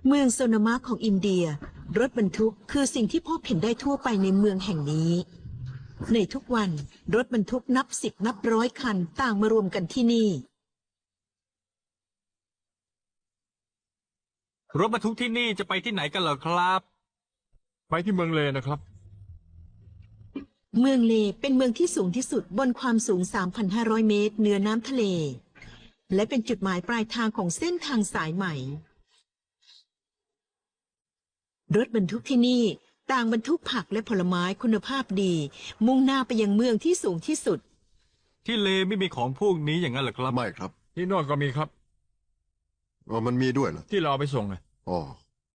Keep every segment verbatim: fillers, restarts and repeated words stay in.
เมืองโซนามะของอินเดียรถบรรทุกคือสิ่งที่พบเห็นได้ทั่วไปในเมืองแห่งนี้ในทุกวันรถบรรทุกนับสิบนับร้อยคันต่างมารวมกันที่นี่รถบรรทุกที่นี่จะไปที่ไหนกันเหรอครับไปที่เมืองเลนะครับเมืองเลเป็นเมืองที่สูงที่สุดบนความสูง สามพันห้าร้อย เมตรเหนือน้ำทะเลและเป็นจุดหมายปลายทางของเส้นทางสายใหม่รถบรรทุกที่นี่ต่างบรรทุกผักและผลไม้คุณภาพดีมุ่งหน้าไปยังเมืองที่สูงที่สุดที่เลไม่มีของพวกนี้อย่างนั้นเหรอครับไม่ครับที่โน่นก็มีครับอ๋อมันมีด้วยเหรอที่เราเอาไปส่งไงอ๋อ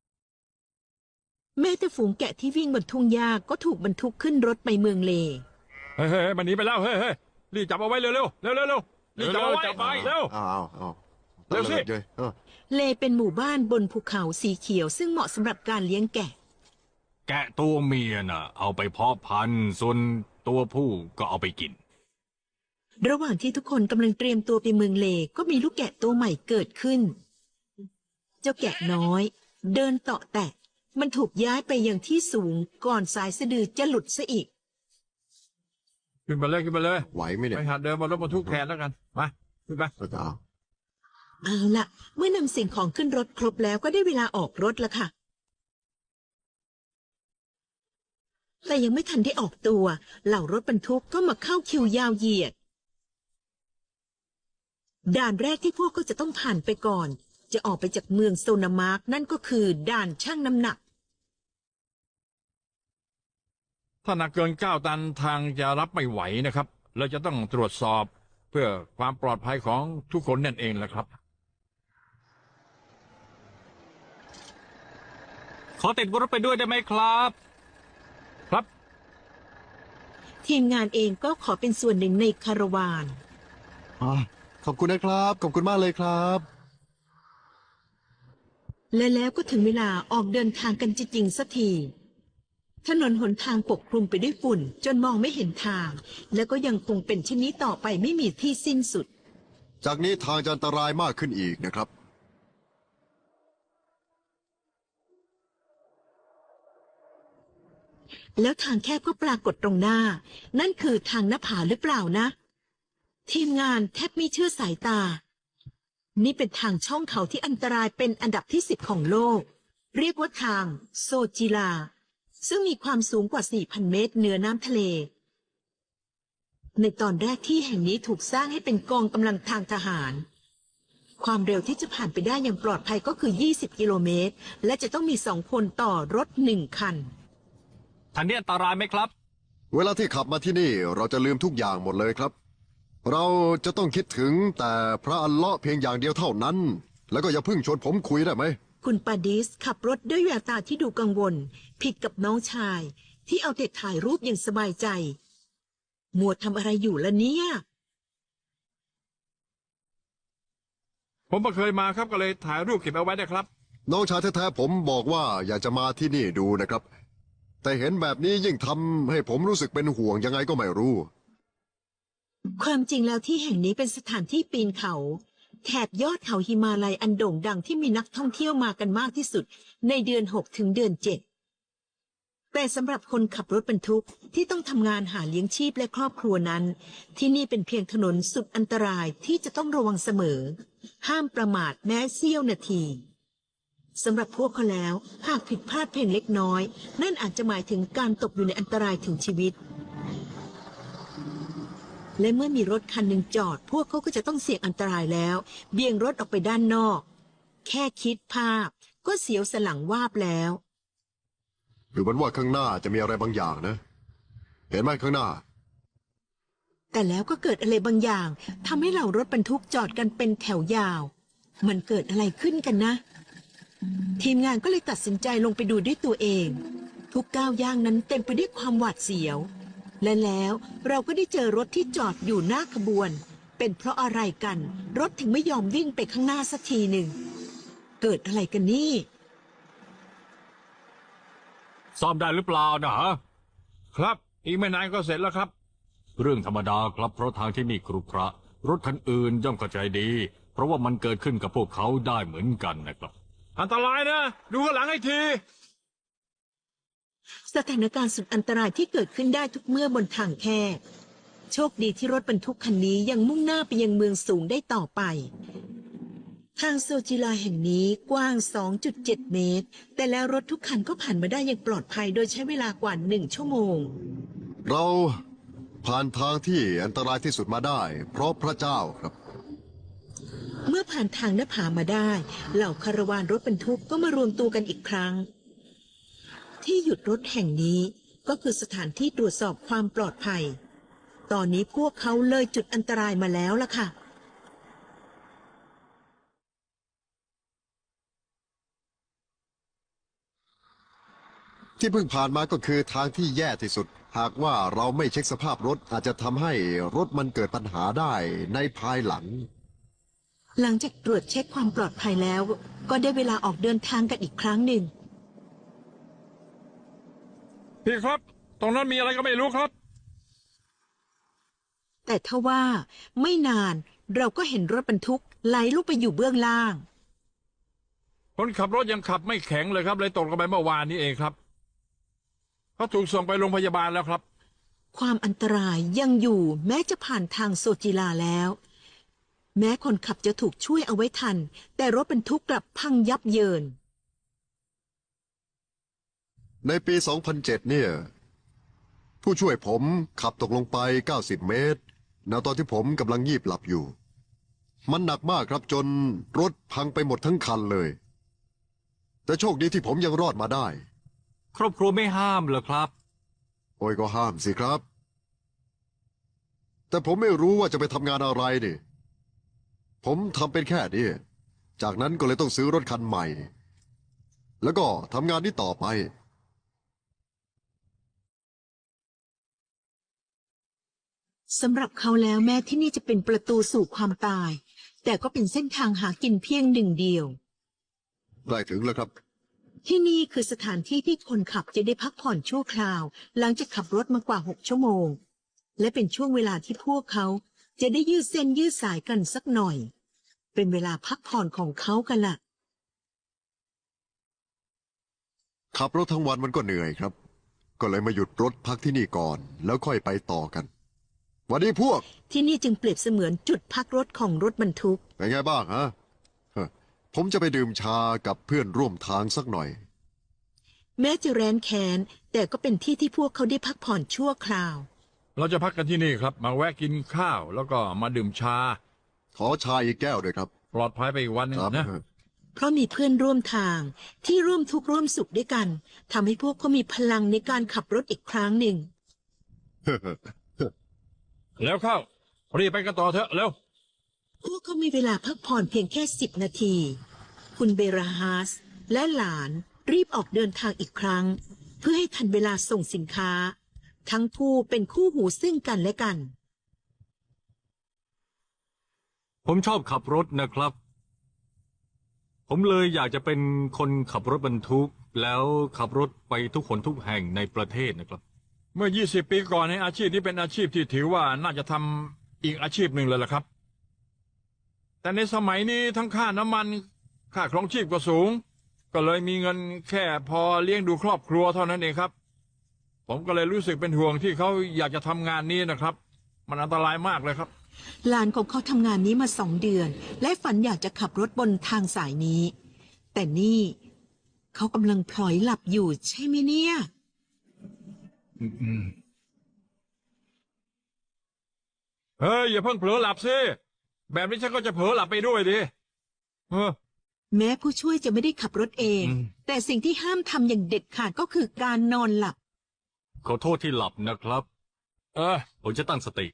แม้แต่ฝูงแกะที่วิ่งบนทุ่งหญ้าก็ถูกบรรทุกขึ้นรถไปเมืองเลเฮ้ยเฮ้ยมันหนีไปแล้วเฮ้ยเฮ้ยรีบจับเอาไว้เร็วเร็วเร็วเร็วเร็วรีบจับเอาไว้จับไปเร็วอ้าวอ้าวเร็วสิเลเป็นหมู่บ้านบนภูเขาสีเขียวซึ่งเหมาะสำหรับการเลี้ยงแกะแกะตัวเมียน่ะเอาไปเพาะพันธุ์ส่วนตัวผู้ก็เอาไปกินระหว่างที่ทุกคนกำลังเตรียมตัวไปเมืองเลก็มีลูกแกะตัวใหม่เกิดขึ้นเจ้าแกะน้อยเดินเตาะแตะมันถูกย้ายไปยังที่สูงก่อนสายสะดือจะหลุดซะอีกขึ้นมาเลยขึ้นมาเลยไหวไหมเนี่ยไปหัดเดินบนรถบรรทุกแทนแล้วกันมาขึ้นไปเอาเอาล่ะเมื่อนำสิ่งของขึ้นรถครบแล้วก็ได้เวลาออกรถแล้วค่ะแต่ยังไม่ทันได้ออกตัวเหล่ารถบรรทุกก็มาเข้าคิวยาวเหยียดด่านแรกที่พวกก็จะต้องผ่านไปก่อนจะออกไปจากเมืองโซนามาร์กนั่นก็คือด่านชั่งน้ำหนักถ้าหนักเกินเก้าตันทางจะรับไม่ไหวนะครับเราจะต้องตรวจสอบเพื่อความปลอดภัยของทุกคนนั่นเองแหละครับขอติดรถไปด้วยได้ไหมครับครับทีมงานเองก็ขอเป็นส่วนหนึ่งในคาราวานขอบคุณนะครับขอบคุณมากเลยครับและแล้วก็ถึงเวลาออกเดินทางกันจริงๆสักทีถนนหนทางปกคลุมไปด้วยฝุ่นจนมองไม่เห็นทางและก็ยังคงเป็นเช่นนี้ต่อไปไม่มีที่สิ้นสุดจากนี้ทางจะอันตรายมากขึ้นอีกนะครับแล้วทางแคบก็ปรากฏตรงหน้านั่นคือทางหน้าผาหรือเปล่านะทีมงานแทบไม่เชื่อสายตานี่เป็นทางช่องเขาที่อันตรายเป็นอันดับที่สิบของโลกเรียกว่าทางโซจิลาซึ่งมีความสูงกว่า สี่พัน เมตรเหนือน้ำทะเลในตอนแรกที่แห่งนี้ถูกสร้างให้เป็นกองกำลังทางทหารความเร็วที่จะผ่านไปได้อย่างปลอดภัยก็คือยี่สิบกิโลเมตรและจะต้องมีสองคนต่อรถหนึ่งคันทางนี้อันตรายไหมครับเวลาที่ขับมาที่นี่เราจะลืมทุกอย่างหมดเลยครับเราจะต้องคิดถึงแต่พระอัลเลาะห์เพียงอย่างเดียวเท่านั้นแล้วก็อย่าเพิ่งชวนผมคุยได้ไหมคุณปาดิสขับรถด้วยแววตาที่ดูกังวลผิดกับน้องชายที่เอาแต่ถ่ายรูปอย่างสบายใจมัวทำอะไรอยู่ล่ะเนี่ยผมก็เคยมาครับก็เลยถ่ายรูปเก็บเอาไว้นะครับน้องชายแท้ๆผมบอกว่าอยากจะมาที่นี่ดูนะครับแต่เห็นแบบนี้ยิ่งทำให้ผมรู้สึกเป็นห่วงยังไงก็ไม่รู้ความจริงแล้วที่แห่งนี้เป็นสถานที่ปีนเขาแถบยอดเขาหิมาลัยอันโด่งดังที่มีนักท่องเที่ยวมากันมากที่สุดในเดือนหกถึงเดือนเจ็ดแต่สำหรับคนขับรถบรรทุกที่ต้องทำงานหาเลี้ยงชีพและครอบครัวนั้นที่นี่เป็นเพียงถนนสุดอันตรายที่จะต้องระวังเสมอห้ามประมาทแม้เสี้ยวนาทีสำหรับพวกเขาแล้วหากผิดพลาดเพียงเล็กน้อยนั่นอาจจะหมายถึงการตกอยู่ในอันตรายถึงชีวิตและเมื่อมีรถคันหนึ่งจอดพวกเขาก็จะต้องเสี่ยงอันตรายแล้วเบี่ยงรถออกไปด้านนอกแค่คิดภาพก็เสียวสนหลังวาบแล้วหรือมันว่าข้างหน้าจะมีอะไรบางอย่างนะเห็นไหมข้างหน้าแต่แล้วก็เกิดอะไรบางอย่างทำให้เหล่ารถบรรทุกจอดกันเป็นแถวยาวมันเกิดอะไรขึ้นกันนะทีมงานก็เลยตัดสินใจลงไปดูด้วยตัวเองทุกก้าวย่างนั้นเต็มไปด้วยความหวาดเสียวและแล้วเราก็ได้เจอรถที่จอดอยู่หน้าขบวนเป็นเพราะอะไรกันรถถึงไม่ยอมวิ่งไปข้างหน้าสักทีหนึ่งเกิดอะไรกันนี่ซ่อมได้หรือเปล่านะฮะครับอีกไม่นานก็เสร็จแล้วครับเรื่องธรรมดาครับเพราะทางที่นี่ครุขระรถคันอื่นย่อมเข้าใจดีเพราะว่ามันเกิดขึ้นกับพวกเขาได้เหมือนกันนะครับอันตรายนะ ดูข้างหลังให้ทีสถานการณ์สุดอันตรายที่เกิดขึ้นได้ทุกเมื่อบนทางแคบโชคดีที่รถบรรทุกคันนี้ยังมุ่งหน้าไปยังเมืองสูงได้ต่อไปทางโซจิลาแห่งนี้กว้าง สองจุดเจ็ด เมตร แต่แล้วรถทุกคันก็ผ่านมาได้อย่างปลอดภัยโดยใช้เวลากว่าหนึ่งชั่วโมงเราผ่านทางที่อันตรายที่สุดมาได้ เพราะพระเจ้าครับเมื่อผ่านทางหน้าผามาได้ เหล่าคาราวานรถบรรทุกก็มารวมตัวกันอีกครั้ง ที่หยุดรถแห่งนี้ก็คือสถานที่ตรวจสอบความปลอดภัย ตอนนี้พวกเขาเลยจุดอันตรายมาแล้วล่ะค่ะที่เพิ่งผ่านมาก็คือทางที่แย่ที่สุด หากว่าเราไม่เช็คสภาพรถอาจจะทำให้รถมันเกิดปัญหาได้ในภายหลังหลังจากตรวจเช็คความปลอดภัยแล้ว ก็ได้เวลาออกเดินทางกันอีกครั้งหนึ่งพี่ครับ ตรงนั้นมีอะไรก็ไม่รู้ครับแต่ทว่าไม่นานเราก็เห็นรถบรรทุกไหลลงไปอยู่เบื้องล่างคนขับรถยังขับไม่แข็งเลยครับเลยตกลงไปเมื่อวานนี้เองครับเขาถูกส่งไปโรงพยาบาลแล้วครับความอันตรายยังอยู่แม้จะผ่านทางโซจิลาแล้ว แม้คนขับจะถูกช่วยเอาไว้ทัน แต่รถบรรทุกกลับพังยับเยินในปี สองพันเจ็ด เนี่ย ผู้ช่วยผมขับตกลงไป เก้าสิบ เมตรณตอนที่ผมกำลังยีบหลับอยู่ มันหนักมากครับจนรถพังไปหมดทั้งคันเลย แต่โชคดีที่ผมยังรอดมาได้ครอบครัวไม่ห้ามเหรอครับโอ้ยก็ห้ามสิครับ แต่ผมไม่รู้ว่าจะไปทำงานอะไรนี่ ผมทำเป็นแค่นี้ จากนั้นก็เลยต้องซื้อรถคันใหม่ แล้วก็ทำงานนี้ต่อไปสำหรับเขาแล้วแม้ที่นี่จะเป็นประตูสู่ความตาย แต่ก็เป็นเส้นทางหากินเพียงหนึ่งเดียวใกล้ถึงแล้วครับที่นี่คือสถานที่ที่คนขับจะได้พักผ่อนชั่วคราว หลังจากขับรถมากว่าหกชั่วโมง และเป็นช่วงเวลาที่พวกเขาจะได้ยืดเส้นยืดสายกันสักหน่อย เป็นเวลาพักผ่อนของเขากันล่ะขับรถทั้งวันมันก็เหนื่อยครับ ก็เลยมาหยุดรถพักที่นี่ก่อน แล้วค่อยไปต่อกันวันนี้พวกที่นี่จึงเปรียบเสมือนจุดพักรถของรถบรรทุกเป็นไงบ้างฮะฮะ ผมจะไปดื่มชากับเพื่อนร่วมทางสักหน่อยแม้จะแร้นแค้นแต่ก็เป็นที่ที่พวกเขาได้พักผ่อนชั่วคราวเราจะพักกันที่นี่ครับ มาแวะกินข้าวแล้วก็มาดื่มชาขอชาอีกแก้วด้วยครับปลอดภัยไปอีกวันหนึงครับนะเพราะมีเพื่อนร่วมทางที่ร่วมทุกข์ร่วมสุขด้วยกันทำให้พวกเขามีพลังในการขับรถอีกครั้งหนึ่งแล้วเข้ารีบไปกันต่อเถอะเร็วพวกเขามีเวลาพักผ่อนเพียงแค่สิบนาที คุณเบราฮาสและหลานรีบออกเดินทางอีกครั้ง เพื่อให้ทันเวลาส่งสินค้า ทั้งคู่เป็นคู่หูซึ่งกันและกันผมชอบขับรถนะครับ ผมเลยอยากจะเป็นคนขับรถบรรทุก แล้วขับรถไปทุกคนทุกแห่งในประเทศนะครับเมื่อ ยี่สิบ ปีก่อนในอาชีพนี้เป็นอาชีพที่ถือว่าน่าจะทำอีกอาชีพหนึ่งเลยล่ะครับ แต่ในสมัยนี้ทั้งค่าน้ำมันค่าครองชีพก็สูง ก็เลยมีเงินแค่พอเลี้ยงดูครอบครัวเท่านั้นเองครับ ผมก็เลยรู้สึกเป็นห่วงที่เขาอยากจะทำงานนี้นะครับ มันอันตรายมากเลยครับหลานของเขาทำงานนี้มาสองเดือน และฝันอยากจะขับรถบนทางสายนี้ แต่นี่เขากำลังพลอยหลับอยู่ใช่ไหมเนี่ยเฮ้ยอย่าเพิ่งเผลอหลับสิแบบนี้ฉันก็จะเผลอหลับไปด้วยดิเออแม้ผู้ช่วยจะไม่ได้ขับรถเองอืมแต่สิ่งที่ห้ามทำอย่างเด็ดขาดก็คือการนอนหลับขอโทษที่หลับนะครับเออผมจะตั้งสติ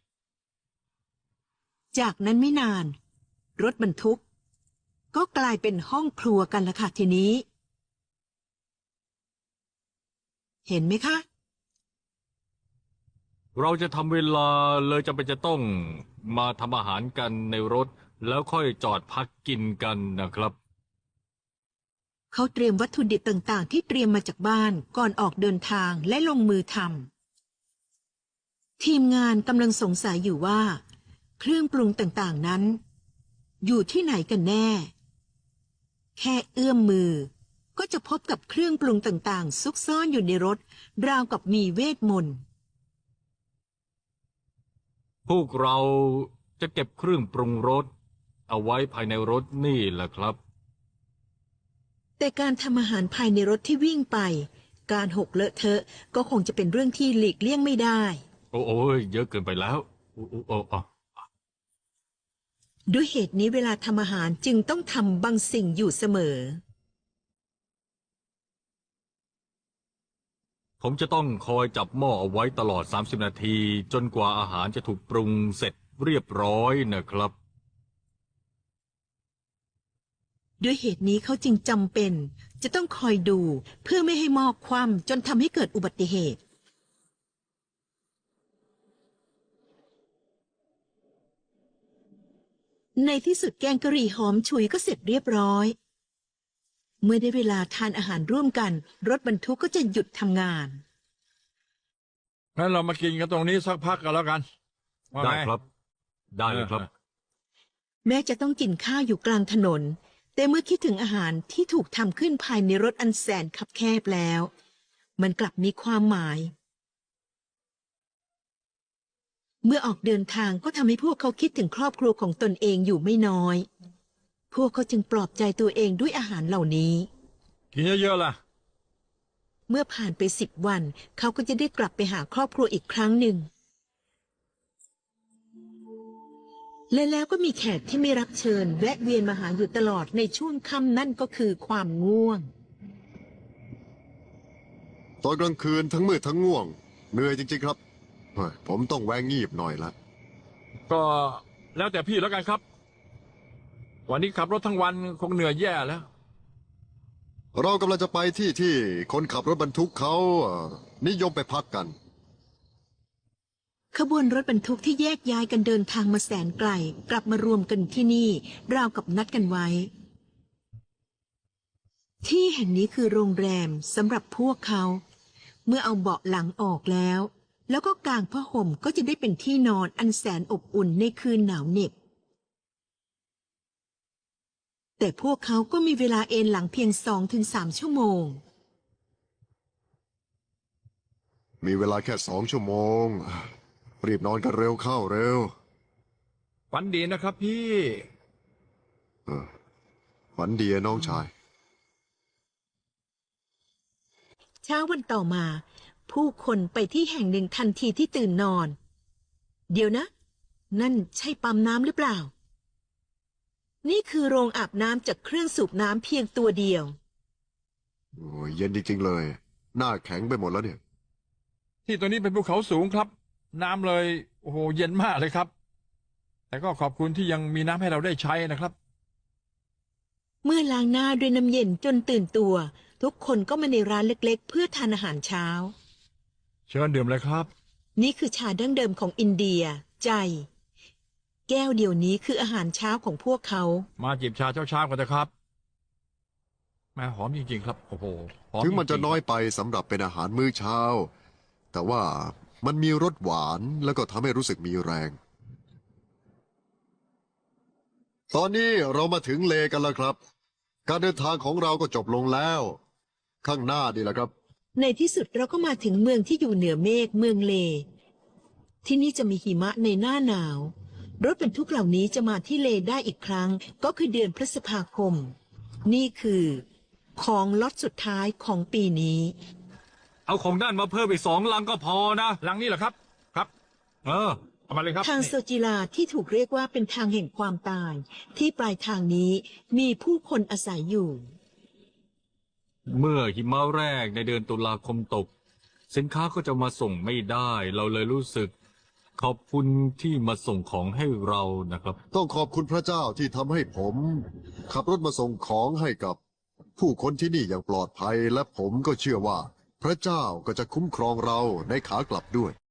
จากนั้นไม่นาน รถบรรทุก ก็กลายเป็นห้องครัวกันละค่ะทีนี้ เห็นไหมคะเราจะทำเวลาเลยจำเป็นจะต้องมาทำอาหารกันในรถ แล้วค่อยจอดพักกินกันนะครับเขาเตรียมวัตถุดิบต่างๆ ที่เตรียมมาจากบ้านก่อนออกเดินทางและลงมือทำทีมงานกำลังสงสัยอยู่ว่า เครื่องปรุงต่างๆนั้น อยู่ที่ไหนกันแน่แค่เอื้อมมือ ก็จะพบกับเครื่องปรุงต่างๆ ซุกซ่อนอยู่ในรถ ราวกับมีเวทมนต์พวกเราจะเก็บเครื่องปรุงรสเอาไว้ภายในรถนี่แหละครับแต่การทำอาหารภายในรถที่วิ่งไป การหกเลอะเทอะก็คงจะเป็นเรื่องที่หลีกเลี่ยงไม่ได้โอ้โอ้ยเยอะเกินไปแล้วโอ้โอ้โอ้อ๋อด้วยเหตุนี้เวลาทำอาหารจึงต้องทำบางสิ่งอยู่เสมอผมจะต้องคอยจับหม้อเอาไว้ตลอด สามสิบ นาที จนกว่าอาหารจะถูกปรุงเสร็จเรียบร้อยนะครับด้วยเหตุนี้เขาจึงจำเป็น จะต้องคอยดูเพื่อไม่ให้หม้อคว่ำจนทำให้เกิดอุบัติเหตุ ในที่สุดแกงกะหรี่หอมฉุยก็เสร็จเรียบร้อย เมื่อได้เวลาทานอาหารร่วมกัน รถบรรทุกก็จะหยุดทำงานงั้นเรามากินกันตรงนี้สักพักกันแล้วกันว่าได้ไงครับ ได้เลยครับแม้จะต้องกินข้าวอยู่กลางถนน แต่เมื่อคิดถึงอาหารที่ถูกทำขึ้นภายในรถอันแสนคับแคบแล้ว มันกลับมีความหมาย เมื่อออกเดินทางก็ทำให้พวกเขาคิดถึงครอบครัวของตนเองอยู่ไม่น้อย พวกเขาจึงปลอบใจตัวเองด้วยอาหารเหล่านี้กินเยอะๆล่ะเมื่อผ่านไปสิบวัน เขาก็จะได้กลับไปหาครอบครัวอีกครั้งหนึ่ง และแล้วก็มีแขกที่ไม่รับเชิญแวะเวียนมาหาอยู่ตลอดในช่วงค่ำนั่นก็คือความง่วงตอนกลางคืนทั้งมืดทั้งง่วงเหนื่อยจริงๆครับเฮ้ยผมต้องแวงงีบหน่อยละก็แล้วแต่พี่แล้วกันครับ วันนี้ขับรถทั้งวันคงเหนื่อยแย่แล้วเรากำลังจะไปที่ที่คนขับรถบรรทุกเขาเอ่อนิยมไปพักกันขบวนรถบรรทุกที่แยกย้ายกันเดินทางมาแสนไกลกลับมารวมกันที่นี่ ราวกับนัดกันไว้ ที่แห่งนี้คือโรงแรมสำหรับพวกเขา เมื่อเอาเบาะหลังออกแล้ว แล้วก็กางผ้าห่มก็จะได้เป็นที่นอนอันแสนอบอุ่นในคืนหนาวเหน็บ แต่พวกเขาก็มีเวลาเอนหลังเพียงสองถึงสามชั่วโมงมีเวลาแค่สองชั่วโมง รีบนอนกันเร็วเข้าเร็วฝันดีนะครับพี่ฝันดีอะน้องชายเช้าวันต่อมา ผู้คนไปที่แห่งหนึ่งทันทีที่ตื่นนอน เดี๋ยวนะ นั่นใช่ปั๊มน้ำหรือเปล่า นี่คือโรงอาบน้ำจากเครื่องสูบน้ำเพียงตัวเดียวโอ้ยเย็นจริงๆเลย หน้าแข็งไปหมดแล้วเนี่ยที่ตัวนี้เป็นภูเขาสูงครับ น้ำเลยโอ้โหเย็นมากเลยครับ แต่ก็ขอบคุณที่ยังมีน้ำให้เราได้ใช้นะครับเมื่อล้างหน้าด้วยน้ำเย็นจนตื่นตัว ทุกคนก็มาในร้านเล็กๆ เพื่อทานอาหารเช้าเชิญดื่มเลยครับนี่คือชาดั้งเดิมของอินเดีย ใจ แก้วเดียวนี้คืออาหารเช้าของพวกเขามาจิบชาเช้าๆกันนะครับแม่หอมจริงๆครับโอ้โหหอมถึงมันจะริๆน้อยไปสำหรับเป็นอาหารมื้อเช้า แต่ว่ามันมีรสหวานแล้วก็ทำให้รู้สึกมีแรง ตอนนี้เรามาถึงเลกันแล้วครับ การเดินทางของเราก็จบลงแล้ว ข้างหน้าดีแหละครับในที่สุดเราก็มาถึงเมืองที่อยู่เหนือเมฆเมืองเล ที่นี่จะมีหิมะในหน้าหนาว รถบรรทุกเหล่านี้จะมาที่เลได้อีกครั้ง ก็คือเดือนพฤษภาคม นี่คือของล็อตสุดท้ายของปีนี้เอาของด้านมาเพิ่มอีกสองลังก็พอนะหลังนี้เหรอครับ ครับเออเอามาเลยครับทางโซจิลาที่ถูกเรียกว่าเป็นทางแห่งความตาย ที่ปลายทางนี้มีผู้คนอาศัยอยู่เมื่อหิมะแรกในเดือนตุลาคมตก สินค้าก็จะมาส่งไม่ได้ เราเลยรู้สึก ขอบคุณที่มาส่งของให้เรานะครับต้องขอบคุณพระเจ้าที่ทำให้ผม ขับรถมาส่งของให้กับ ผู้คนที่นี่อย่างปลอดภัย และผมก็เชื่อว่า พระเจ้าก็จะคุ้มครองเราในขากลับด้วย